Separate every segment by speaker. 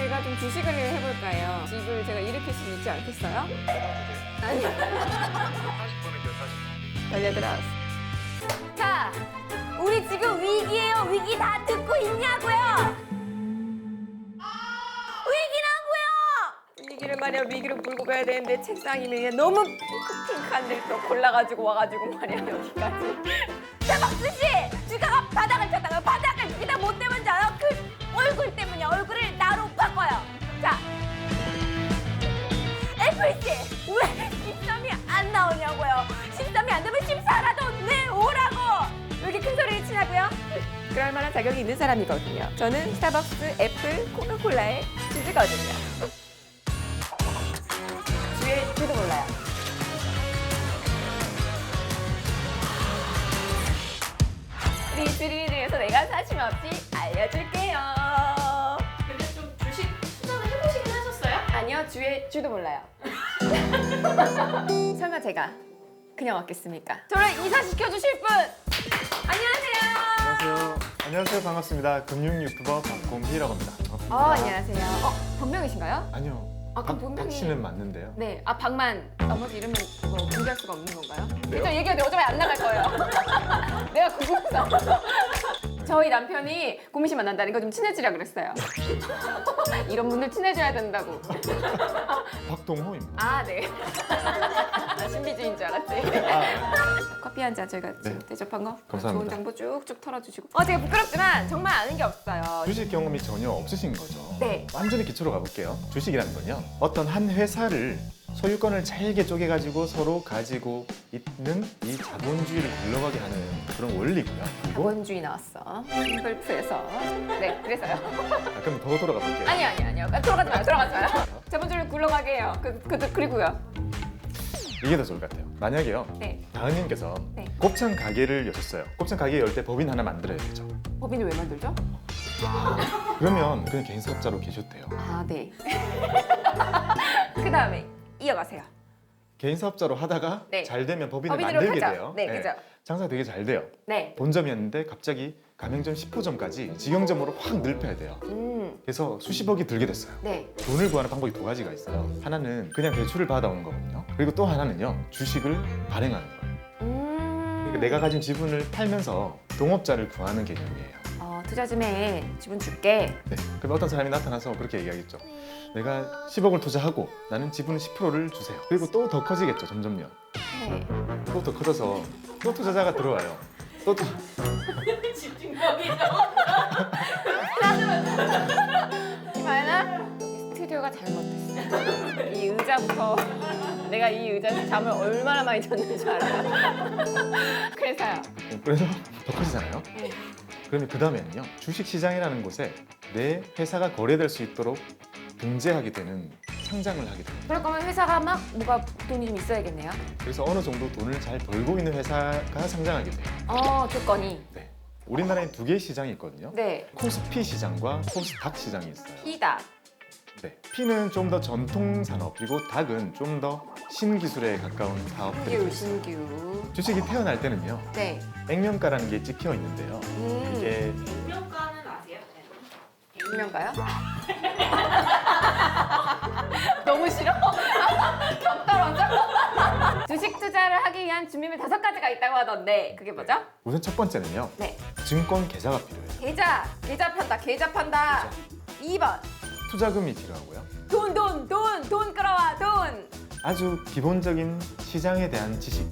Speaker 1: 저희가 좀 주식을 해볼까 해요. 집을 제가 일으킬 수 있지 않겠어요? 아니.
Speaker 2: 40분은요, 40분.
Speaker 1: 달려들어. 자, 우리 지금 위기예요. 위기 다 듣고 있냐고요? 위기라고요! 위기를 말이야, 위기를 몰고 가야 되는데 책상이 그냥 너무 핑크한 데를 또 골라가지고 와가지고 말이야, 여기까지. 대박수 씨! 주가가 바닥을 쳤다가 바닥을 여기다 못 대면 줄 알아? 그 얼굴 때문에 얼굴을 나로 바꿔요. 자, 애플 씨! 왜 13이 안 나오냐고요? 13이 안 되면 14라도 내오라고! 왜 이렇게 큰 소리를 치냐고요? 그럴 만한 자격이 있는 사람이거든요. 저는 스타벅스, 애플, 코카콜라의 주주거든요. 주의 주도 몰라요. 우리 주리에 대해서 내가 사심 없이 알려줄게요.
Speaker 3: 근데 좀 주식 투자는 해보시긴 하셨어요?
Speaker 1: 아니요, 주의 주도 몰라요. 설마 제가 그냥 왔겠습니까? 저를 이사시켜 주실 분! 안녕하세요.
Speaker 2: 안녕하세요. 안녕하세요. 반갑습니다. 금융 유튜버 박곰희라고 합니다. 반갑습니다.
Speaker 1: 안녕하세요. 본명이신가요?
Speaker 2: 아니요.
Speaker 1: 아, 그럼 본명이-
Speaker 2: 박 씨는 맞는데요.
Speaker 1: 네. 박만. 나머지 이름은 뭐 공개할 수가 없는 건가요?
Speaker 2: 네요?
Speaker 1: 일단 얘기해도 어차피 안 나갈 거예요. 내가 궁금해서. 저희 남편이 고민 씨 만난다는 거 좀 친해지라 그랬어요. 이런 분들 친해져야 된다고.
Speaker 2: 박동호입니다.
Speaker 1: 아, 네. 신비주의인 줄 알았지. 커피 한 잔 저희가 지금 대접한 거
Speaker 2: 감사합니다.
Speaker 1: 좋은 정보 쭉쭉 털어주시고 제가 부끄럽지만 정말 아는 게 없어요.
Speaker 2: 주식 경험이 전혀 없으신 거죠?
Speaker 1: 네.
Speaker 2: 완전히 기초로 가볼게요. 주식이라는 건요. 어떤 한 회사를 소유권을 잘게 쪼개가지고 서로 가지고 있는 이 자본주의를 굴러가게 하는 그런 원리고요. 그리고
Speaker 1: 자본주의 나왔어. 싱글프에서. 네, 그래서요.
Speaker 2: 그럼 더 돌아가 볼게요.
Speaker 1: 아니요. 들어가지 마요. 자본주의를 굴러가게 해요. 그리고요.
Speaker 2: 이게 더 좋을 것 같아요. 만약에요.
Speaker 1: 네.
Speaker 2: 다은님께서
Speaker 1: 네.
Speaker 2: 곱창 가게를 여셨어요. 곱창 가게 열 때 법인 하나 만들어야 되죠.
Speaker 1: 법인을 왜 만들죠?
Speaker 2: 그러면 그냥 개인 사업자로 계셔도 돼요.
Speaker 1: 아, 네. 그 다음에 이어가세요.
Speaker 2: 개인 사업자로 하다가
Speaker 1: 네.
Speaker 2: 잘 되면 법인을
Speaker 1: 법인으로
Speaker 2: 만들게
Speaker 1: 하죠.
Speaker 2: 돼요.
Speaker 1: 네, 그죠.
Speaker 2: 장사 되게 잘 돼요.
Speaker 1: 네.
Speaker 2: 본점이었는데 갑자기 가맹점 10호점까지 직영점으로 확 넓혀야 돼요. 그래서 수십억이 들게 됐어요.
Speaker 1: 네.
Speaker 2: 돈을 구하는 방법이 두 가지가 있어요. 하나는 그냥 대출을 받아오는 거거든요. 그리고 또 하나는요. 주식을 발행하는 거예요. 그러니까 내가 가진 지분을 팔면서 동업자를 구하는 개념이에요.
Speaker 1: 투자금에 지분 줄게.
Speaker 2: 네. 그럼 어떤 사람이 나타나서 그렇게 얘기하겠죠. 내가 10억을 투자하고 나는 지분 10%를 주세요. 그리고 또 더 커지겠죠. 점점요.
Speaker 1: 네.
Speaker 2: 또 더 커져서 또 투자자가 들어와요. 또
Speaker 3: 집중력이죠.
Speaker 1: 이마연아, 스튜디오가 잘못됐어. 이 의자부터 내가 이 의자에서 잠을 얼마나 많이 잤는 줄 알아요. 그래서요.
Speaker 2: 그래서 더 커지잖아요.
Speaker 1: 네.
Speaker 2: 그러면 그 다음에는요. 주식시장이라는 곳에 내 회사가 거래될 수 있도록 등재하게 되는 상장을 하게 됩니다.
Speaker 1: 그럴 거면 회사가 막 뭐가 돈이 좀 있어야겠네요.
Speaker 2: 그래서 어느 정도 돈을 잘 벌고 있는 회사가 상장하게 돼요.
Speaker 1: 조건이.
Speaker 2: 네. 우리나라에 두 개의 시장이 있거든요.
Speaker 1: 네.
Speaker 2: 코스피 시장과 코스닥 시장이 있어요.
Speaker 1: 피다.
Speaker 2: 네. 피는 좀 더 전통 산업, 그리고 닥은 좀 더 신기술에 가까운 사업들이
Speaker 1: 신규.
Speaker 2: 있어요. 주식이 태어날 때는요.
Speaker 1: 네.
Speaker 2: 액면가라는 게 찍혀 있는데요. 이게
Speaker 3: 운명가는 아세요?
Speaker 1: 분명가요? 너무 싫어? 격 떨어져? 주식 투자를 하기 위한 준비물 5가지가 있다고 하던데 그게 뭐죠?
Speaker 2: 우선 첫 번째는요.
Speaker 1: 네.
Speaker 2: 증권 계좌가 필요해요.
Speaker 1: 계좌 판다. 2번.
Speaker 2: 투자금이 필요하고요.
Speaker 1: 돈 끌어와, 돈.
Speaker 2: 아주 기본적인 시장에 대한 지식.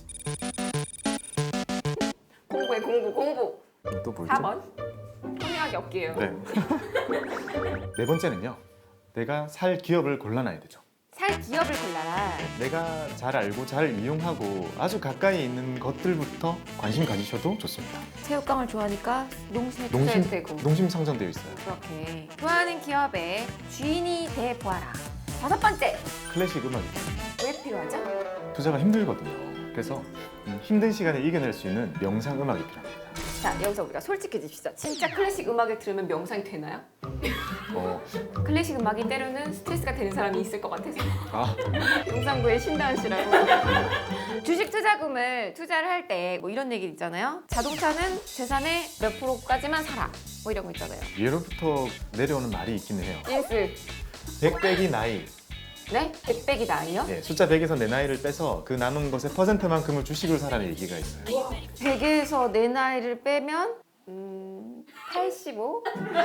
Speaker 1: 공부.
Speaker 2: 또 뭐죠?
Speaker 1: 4번. 통역이 없기예요.
Speaker 2: 네. 네 번째는요. 내가 살 기업을 골라놔야 되죠.
Speaker 1: 살 기업을 골라라.
Speaker 2: 내가 잘 알고 잘 이용하고 아주 가까이 있는 것들부터 관심 가지셔도 좋습니다.
Speaker 1: 체육강을 좋아하니까 농심에 투자해도 되고.
Speaker 2: 농심 상장되어 있어요.
Speaker 1: 그렇게. 좋아하는 기업의 주인이 돼 보아라. 5번째.
Speaker 2: 클래식 음악이
Speaker 1: 왜 필요하죠?
Speaker 2: 투자가 힘들거든요. 그래서 힘든 시간을 이겨낼 수 있는 명상 음악이 필요합니다.
Speaker 1: 자, 여기서 우리가 솔직해집시다. 진짜 클래식 음악을 들으면 명상이 되나요?
Speaker 2: 어,
Speaker 1: 클래식 음악이 때로는 스트레스가 되는 사람이 있을 것 같아서.
Speaker 2: 아,
Speaker 1: 용산구의 신다은 씨라고. 주식 투자금을 투자를 할 때 뭐 이런 얘기 있잖아요. 자동차는 재산의 몇 프로까지만 사라. 뭐 이런 거 있잖아요.
Speaker 2: 예로부터 내려오는 말이 있기는 해요.
Speaker 1: 인스.
Speaker 2: 100 빼기 나이.
Speaker 1: 네? 100 빼기 나이요?
Speaker 2: 예, 숫자 100에서 내 나이를 빼서 그 남은 것의 퍼센트만큼을 주식으로 사라는 얘기가 있어요.
Speaker 1: 100에서 내 나이를 빼면 85?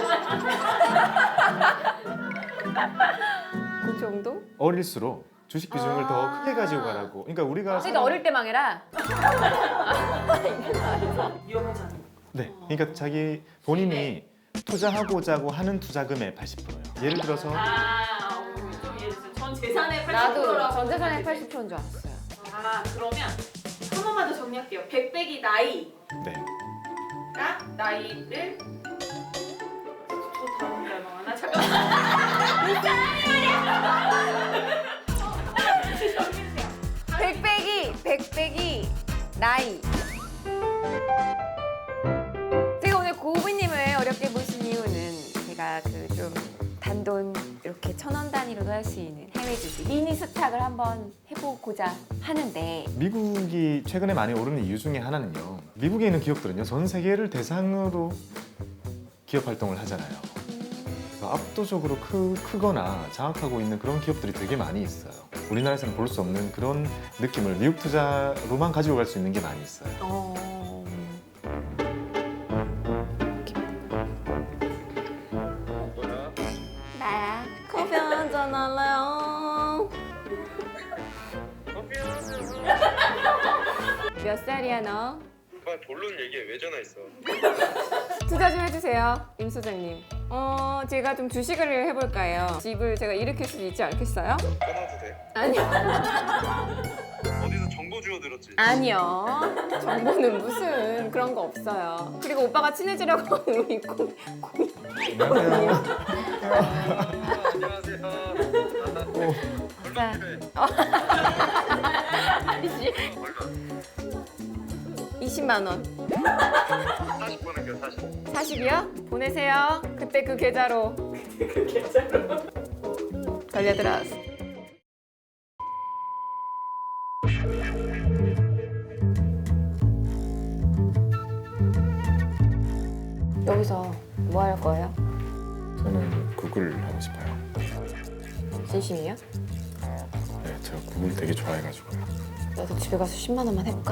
Speaker 1: 그 정도?
Speaker 2: 어릴수록 주식 비중을 더 크게 가지고 가라고. 그러니까 우리가
Speaker 1: 그러니까 어릴 때 망해라.
Speaker 3: 위험하지 않은
Speaker 2: 네, 그러니까 자기 본인이 투자하고자 하는 투자금의 80%예요. 예를 들어서
Speaker 3: 좀 예를 들어서 전 재산의 80%라고
Speaker 1: 나도 전 재산의 80%인 줄 알았어요.
Speaker 3: 그러면 한 번만 더 정리할게요. 100 빼기 나이가
Speaker 2: 네,
Speaker 3: 나이를 저 다음 게 얼마나 잠깐만
Speaker 1: 100 빼기 나이. 제가 오늘 고우비님을 어렵게 보신 이유는 제가 그 좀 단돈 이렇게 1,000원 단위로도 할 수 있는 해외 주식 미니 스탁을 한번 해보고자 하는데
Speaker 2: 미국이 최근에 많이 오르는 이유 중에 하나는요. 미국에 있는 기업들은요, 전 세계를 대상으로 기업 활동을 하잖아요. 그래서 압도적으로 크거나 장악하고 있는 그런 기업들이 되게 많이 있어요. 우리나라에서는 볼 수 없는 그런 느낌을 미국 투자로만 가지고 갈 수 있는 게 많이 있어요.
Speaker 1: 나야 커피 한잔 할래요. 몇 살이야 너?
Speaker 4: 그만 본론 얘기해. 왜 전화했어?
Speaker 1: 투자 좀 해주세요, 임 소장님. 제가 좀 주식을 해볼까 해요. 집을 제가 일으킬 수 있지 않겠어요?
Speaker 4: 끊어도 돼.
Speaker 1: 아니요.
Speaker 4: 어디서 정보 주워 들었지?
Speaker 1: 아니요. 정보는 무슨 그런 거 없어요. 그리고 오빠가 친해지려고 하는 우리
Speaker 2: 안녕하세요.
Speaker 4: 안녕하세요.
Speaker 1: 자, 아니지. 20만 원.
Speaker 4: 40 보낼게요. 40.
Speaker 1: 40이요? 보내세요. 그때 그 계좌로. 걸려들었어. 여기서 뭐 할 거예요?
Speaker 2: 저는 구글 하고 싶어요.
Speaker 1: 진심이요?
Speaker 2: 네, 제가 구글 되게 좋아해가지고요.
Speaker 1: 나도 집에 가서 10만 원만 해볼까?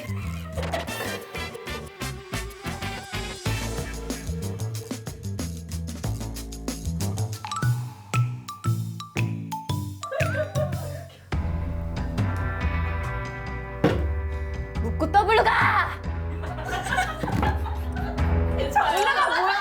Speaker 1: 묻고 더블로 가! 올라가 뭐야?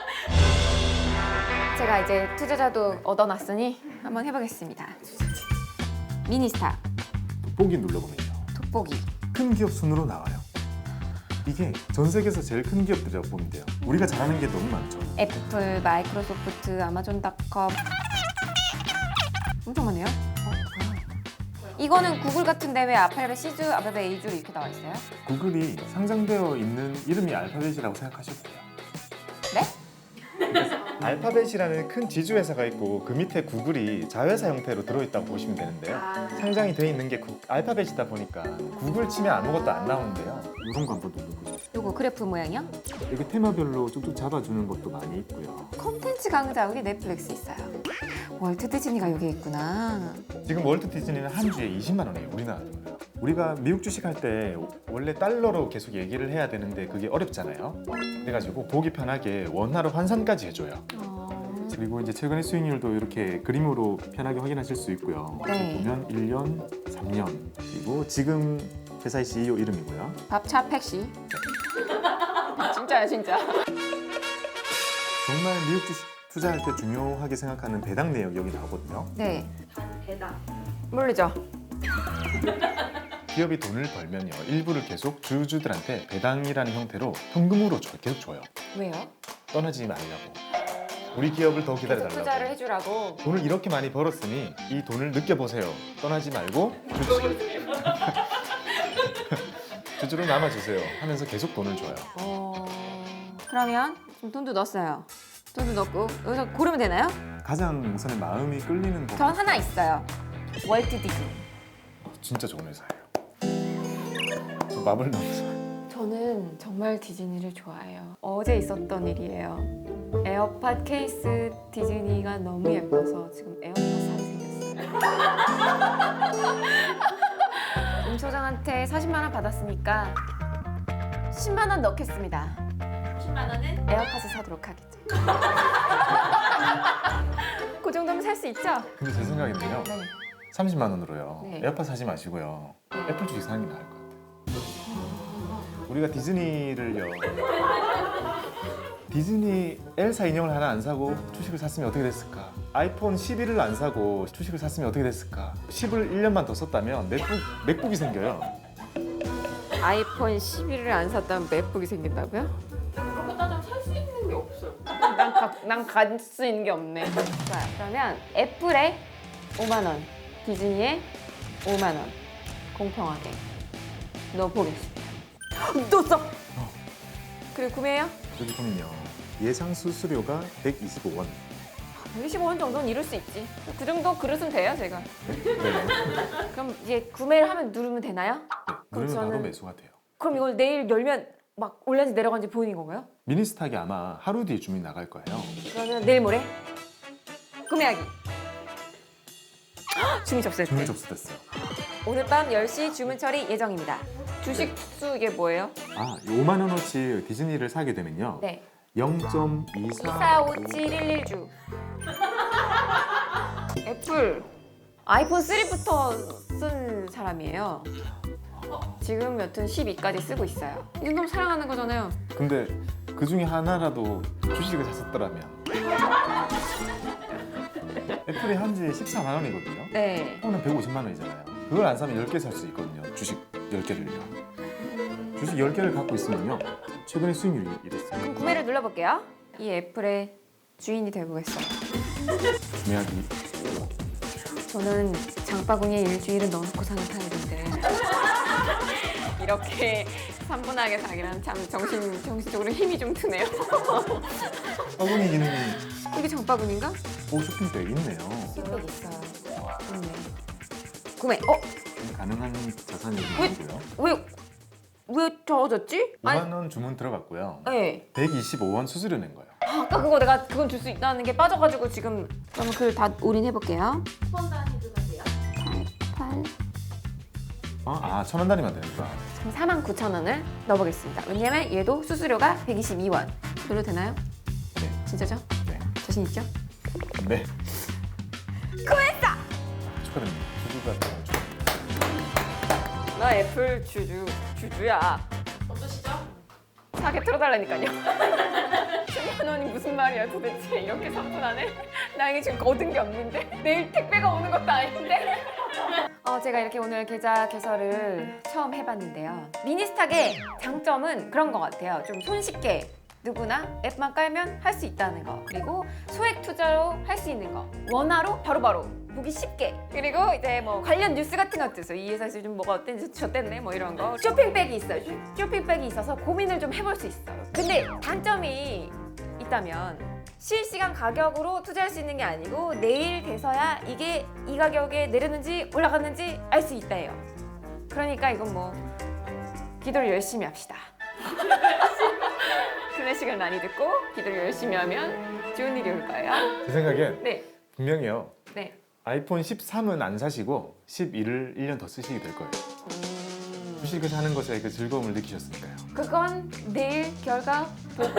Speaker 1: 제가 이제 투자자도 얻어놨으니 한번 해보겠습니다. 미니스타
Speaker 2: 돋보기 눌러보면요.
Speaker 1: 돋보기.
Speaker 2: 큰 기업 순으로 나와요. 이게 전 세계에서 제일 큰 기업들이라고 보면 돼요. 우리가 잘하는 게 너무 많죠.
Speaker 1: 애플, 마이크로소프트, 아마존닷컴 엄청 많네요. 이거는 구글 같은데 왜 알파벳 C주, 알파벳 A주 이렇게 나와 있어요?
Speaker 2: 구글이 상장되어 있는 이름이 알파벳이라고 생각하셔도 돼요.
Speaker 1: 네?
Speaker 2: 알파벳이라는 큰 지주회사가 있고 그 밑에 구글이 자회사 형태로 들어있다고 보시면 되는데요. 상장이 돼 있는 게 알파벳이다 보니까 구글 치면 아무것도 안 나오는데요. 이런 거 한번 눌러보세요.
Speaker 1: 요거 그래프 모양이요?
Speaker 2: 이렇게 테마별로 쭉쭉 잡아주는 것도 많이 있고요.
Speaker 1: 콘텐츠 강자 여기 넷플릭스 있어요. 월트 디즈니가 여기 있구나.
Speaker 2: 지금 월트 디즈니는 한 주에 20만 원이에요. 우리나라 돈으로. 우리가 미국 주식할 때 원래 달러로 계속 얘기를 해야 되는데 그게 어렵잖아요. 그래가지고 보기 편하게 원화로 환산까지 해줘요. 그리고 이제 최근의 수익률도 이렇게 그림으로 편하게 확인하실 수 있고요.
Speaker 1: 네.
Speaker 2: 보면 1년, 3년, 그리고 지금 회사의 CEO 이름이고요.
Speaker 1: 밥차 팩시. 진짜야 진짜.
Speaker 2: 정말 미국 주식 투자할 때 중요하게 생각하는 배당 내역 여기 나오거든요.
Speaker 1: 네.
Speaker 3: 배당.
Speaker 1: 모르죠.
Speaker 2: 기업이 돈을 벌면요, 일부를 계속 주주들한테 배당이라는 형태로 현금으로 계속 줘요.
Speaker 1: 왜요?
Speaker 2: 떠나지 말라고. 우리 기업을 더
Speaker 1: 계속
Speaker 2: 기다려달라고.
Speaker 1: 투자를 해주라고.
Speaker 2: 돈을 이렇게 많이 벌었으니 이 돈을 느껴보세요. 떠나지 말고 주주로 남아주세요 하면서 계속 돈을 줘요.
Speaker 1: 그러면 지금 돈도 넣었어요. 돈도 넣고 여기서 고르면 되나요?
Speaker 2: 가장 우선에 마음이 끌리는 거
Speaker 1: 전 하나 있어요. 월트 디즈니.
Speaker 2: 진짜 좋은 회사예요. 저 마블 너무 좋아요.
Speaker 1: 저 저는 정말 디즈니를 좋아해요. 어제 있었던 일이에요. 에어팟 케이스 디즈니가 너무 예뻐서 지금 에어팟 사게 생겼어요. 임 소장한테 40만 원 받았으니까 10만 원 넣겠습니다.
Speaker 3: 10만 원은
Speaker 1: 에어팟을 사도록 하겠죠. 그 정도면 살 수 있죠?
Speaker 2: 근데 제 생각인데요.
Speaker 1: 네.
Speaker 2: 30만 원으로요.
Speaker 1: 네.
Speaker 2: 에어팟 사지 마시고요. 애플 주식 사는 게 나을 것 같아요. 우리가 디즈니를요. 디즈니 엘사 인형을 하나 안 사고 주식을 샀으면 어떻게 됐을까? 아이폰 11을 안 사고 주식을 샀으면 어떻게 됐을까? 10을 1년만 더 썼다면 맥북이 생겨요.
Speaker 1: 아이폰 11을 안 샀다면 맥북이 생긴다고요?
Speaker 3: 그렇게 따지면 살 수 있는 게 없어요.
Speaker 1: 난 갈 수 있는 게 없네. 좋아요. 그러면 애플에 5만 원, 디즈니에 5만 원 공평하게 넣어보겠습니다. 넣었어. 그리고 구매해요?
Speaker 2: 저기 보면요. 예상 수수료가 125원.
Speaker 1: 125원 정도는 이룰 수 있지. 그 정도 그릇은 돼요, 제가.
Speaker 2: 네.
Speaker 1: 그럼 이제 구매를 하면 누르면 되나요? 그럼
Speaker 2: 누르면 바로
Speaker 1: 저는-
Speaker 2: 매수가 돼요.
Speaker 1: 그럼 이걸 내일 열면 막 올라는지 내려간지 보이는 건가요?
Speaker 2: 미니스탁이 아마 하루 뒤에 주문이 나갈 거예요.
Speaker 1: 그러면 내일 모레 구매하기. 주문 접수했대.
Speaker 2: 주문 접수됐어요.
Speaker 1: 오늘 밤 10시 주문 처리 예정입니다. 주식 수 이게 뭐예요?
Speaker 2: 아, 5만 원어치 디즈니를 사게 되면요.
Speaker 1: 네.
Speaker 2: 0.245711주.
Speaker 1: 245711주. 애플 아이폰 3부터 쓴 사람이에요. 지금 여튼 12까지 쓰고 있어요. 이 정도면 사랑하는 거잖아요.
Speaker 2: 근데 그 중에 하나라도 주식을 샀었더라면 애플이 한지 14만 원이거든요.
Speaker 1: 네.
Speaker 2: 이거는 150만 원이잖아요. 그걸 안 사면 10개 살 수 있거든요. 주식 10개를요. 주식 10개를 갖고 있으면요. 최근에 수익률이 이랬어요.
Speaker 1: 그럼 구매를 눌러볼게요. 이 애플의 주인이 되보겠어요.
Speaker 2: 구매하기.
Speaker 1: 저는 장바구니에 일주일은 넣어놓고 사는 타입인데 이렇게 3분하게 사기란 참 정신적으로 힘이 좀 드네요.
Speaker 2: 바구니 기능이
Speaker 1: 이게 장바구니인가?
Speaker 2: 쇼핑백 있네요.
Speaker 1: 백 있어요. 좋네. 구매.
Speaker 2: 가능한 자산이
Speaker 1: 왜?
Speaker 2: 아니고요.
Speaker 1: 왜 적어졌지?
Speaker 2: 5만 원 주문 들어갔고요.
Speaker 1: 네.
Speaker 2: 125원 수수료 낸 거예요.
Speaker 1: 아까 그거 내가 그건 줄 수 있다는 게 빠져가지고 지금 그러면 그걸 다 올인해볼게요.
Speaker 3: 번 단위 들어가세요.
Speaker 1: 8.
Speaker 2: 1,000원 단위만 되니까.
Speaker 1: 지금 49,000원을 넣어보겠습니다. 왜냐면 얘도 수수료가 122원. 눌러도 되나요?
Speaker 2: 네.
Speaker 1: 진짜죠?
Speaker 2: 네.
Speaker 1: 자신 있죠?
Speaker 2: 네.
Speaker 1: 구했어!
Speaker 2: 축하드립니다. 주주가 되어가지고.
Speaker 1: 나 애플 주주야.
Speaker 3: 어떠시죠?
Speaker 1: 사게 틀어달라니까요. 10만 원이 무슨 말이야 도대체. 이렇게 3분 안에? 나 이게 지금 얻은 게 없는데? 내일 택배가 오는 것도 아닌데? 제가 이렇게 오늘 계좌 개설을 처음 해봤는데요. 미니스탁의 장점은 그런 것 같아요. 좀 손쉽게 누구나 앱만 깔면 할 수 있다는 거. 그리고 소액 투자로 할 수 있는 거. 원화로 바로바로 보기 쉽게. 그리고 이제 뭐 관련 뉴스 같은 것도 있어요. 이 회사에서 요즘 뭐가 어땠는지 저땠네 뭐 이런 거. 쇼핑백이 있어요. 쇼핑백이 있어서 고민을 좀 해볼 수 있어요. 근데 단점이 있다면 실시간 가격으로 투자할 수 있는 게 아니고 내일 돼서야 이게 이 가격에 내렸는지 올라갔는지 알 수 있다예요. 그러니까 이건 뭐 기도를 열심히 합시다. 클래식을 많이 듣고 기도를 열심히 하면 좋은 일이 올 거예요.
Speaker 2: 제 생각엔
Speaker 1: 네,
Speaker 2: 분명히요.
Speaker 1: 네.
Speaker 2: 아이폰 13은 안 사시고 11을 1년 더 쓰시게 될 거예요. 주식을 사는 것에 그 즐거움을 느끼셨으니까요.
Speaker 1: 그건 내일 결과 보고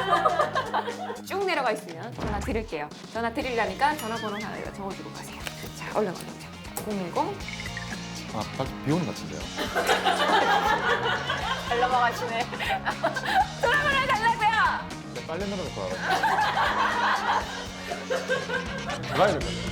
Speaker 1: 쭉 내려가 있으면 전화 드릴게요. 전화 드리려니까 전화번호 하나 적어주고 가세요. 자, 얼른. 010.
Speaker 2: 아, 밖에 비 오는 것 같은데요.
Speaker 1: 잘 넘어가시네. 전화번호 달라고요.
Speaker 2: 빨래 넣어놓고 와가지고. 가야 될 것 같아요.